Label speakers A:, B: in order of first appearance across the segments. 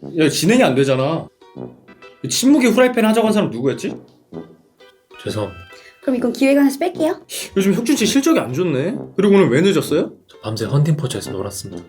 A: 야, 진행이 안 되잖아. 침묵의 후라이팬 하자고 한 사람 누구였지?
B: 죄송합니다.
C: 그럼 이건 기획안에서 뺄게요.
A: 요즘 혁준 씨 실적이 안 좋네. 그리고 오늘 왜 늦었어요?
B: 저 밤새 헌팅포차에서 놀았습니다.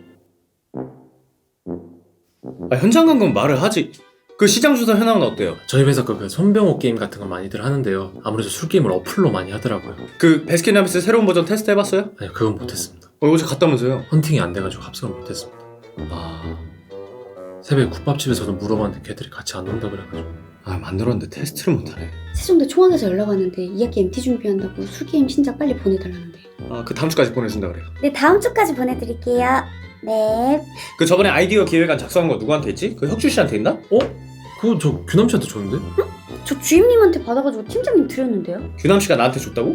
A: 아, 현장 간 건 말을 하지. 그 시장 조사 현황은 어때요?
B: 저희 회사 그 손병호 게임 같은 거 많이들 하는데요. 아무래도 술 게임을 어플로 많이 하더라고요.
A: 그 베스킨라빈스 새로운 버전 테스트 해봤어요?
B: 아니요, 그건 못했습니다.
A: 어제 갔다면서요?
B: 헌팅이 안 돼가지고 합성을 못했습니다.
A: 아,
B: 새벽에 국밥집에서도 물어봤는데 걔들이 같이 안 온다 그래가지고.
A: 만들었는데 테스트를 못하네.
C: 세종대 총학에서 연락 왔는데 2학기 MT 준비한다고 술게임 신작 빨리 보내달라는데.
A: 그 다음 주까지 보내준다 그래요.
C: 네, 다음 주까지 보내드릴게요. 네.
A: 그 저번에 아이디어 기획안 작성한 거 누구한테 했지? 그 혁준 씨한테 했나?
B: 그거 저 규남 씨한테 줬는데?
C: 저 주임님한테 받아가지고 팀장님 드렸는데요.
A: 규남 씨가 나한테 줬다고?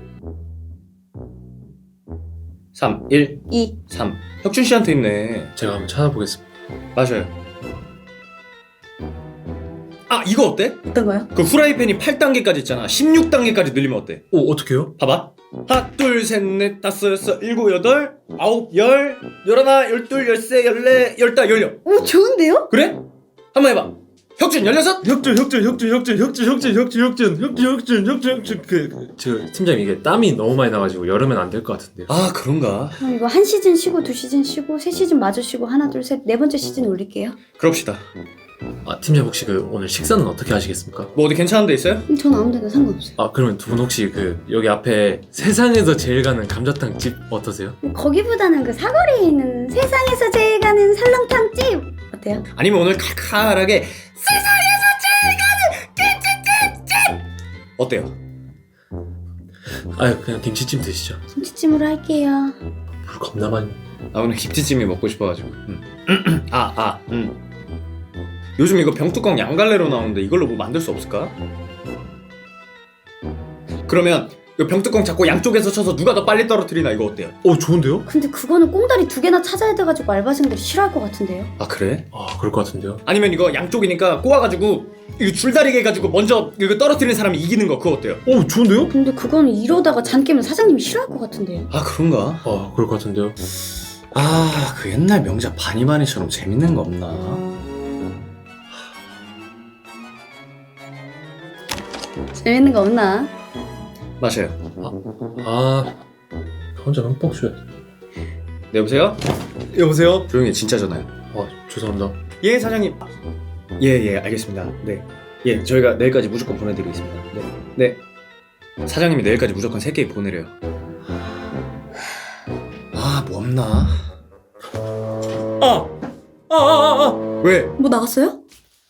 A: 3, 1,
C: 2.
A: 3. 혁준 씨한테 있네.
B: 제가 한번 찾아보겠습니다.
A: 맞아요. 이거 어때?
C: 어떤 거요?
A: 그 후라이팬이 8단계까지 있잖아. 16단계까지 늘리면 어때?
B: 어떡해요?
A: 봐봐. 하나, 둘, 셋, 넷, 다섯, 여섯, 일곱, 여덟, 아홉, 열, 열하나, 열둘, 열세, 열네, 열다, 열여.
C: 오, 좋은데요?
A: 그래? 한번 해봐. 혁준, 열여섯?
B: 저 팀장님 이게 땀이 너무 많이 나가지고 여름엔 안 될 것 같은데요.
A: 그런가?
C: 그럼 이거 한 시즌 쉬고 2시즌 쉬고 3시즌 마저 쉬고 하나 둘 셋 네 번째 시즌 올릴게요.
A: 그럽시다.
B: 팀장님 혹시 오늘 식사는 어떻게 하시겠습니까?
A: 뭐 어디 괜찮은 데 있어요?
C: 전 아무 데나 상관없어요.
B: 그러면 두 분 혹시 여기 앞에 세상에서 제일 가는 감자탕 집 어떠세요?
C: 거기보다는 그 사거리에 있는 세상에서 제일 가는 설렁탕집 어때요?
A: 아니면 오늘 칼칼하게 세상에서 제일 가는 김치찜! 어때요?
B: 그냥 김치찜 드시죠.
C: 김치찜으로 할게요.
B: 물 겁나 많이.
A: 오늘 김치찜이 먹고 싶어가지고. 요즘 이거 병뚜껑 양갈래로 나오는데 이걸로 뭐 만들 수 없을까? 그러면 이 병뚜껑 잡고 양쪽에서 쳐서 누가 더 빨리 떨어뜨리나 이거 어때요?
B: 좋은데요?
C: 근데 그거는 꽁다리 2개나 찾아야 돼가지고 알바생들이 싫어할 것 같은데요?
A: 그래?
B: 그럴 것 같은데요.
A: 아니면 이거 양쪽이니까 꼬아가지고 이거 줄다리기 해가지고 먼저 이거 떨어뜨리는 사람이 이기는 거 그거 어때요?
B: 좋은데요?
C: 근데 그거는 이러다가 잔 깨면 사장님이 싫어할 것 같은데요?
A: 그런가?
B: 그럴 것 같은데요.
A: 그 옛날 명작 바니바니처럼 재밌는 거 없나?
C: 재밌는 거 없나?
A: 마셔요.
B: 혼자 흠뻑 쉬어야 돼.
A: 네, 여보세요? 여보세요? 조용히 해, 진짜 전화요.
B: 죄송합니다.
A: 예, 사장님. 예, 알겠습니다. 네. 예, 저희가 내일까지 무조건 보내드리겠습니다. 네. 사장님이 내일까지 무조건 3개 보내래요. 뭐 없나? 왜?
C: 뭐 나갔어요?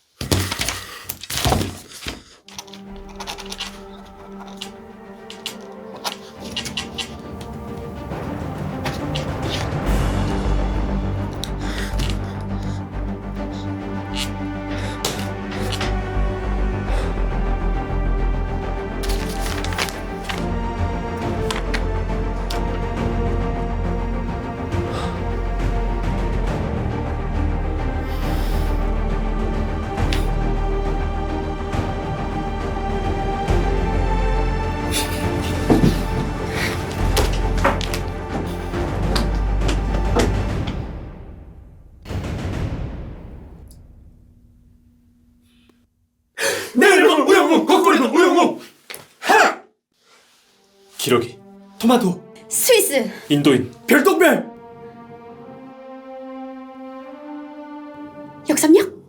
A: 내일은 우영우, 거꾸리는 우영우.
B: 기러기,
A: 토마토,
C: 스위스!
B: 인도인,
A: 별똥별.
C: 역삼역?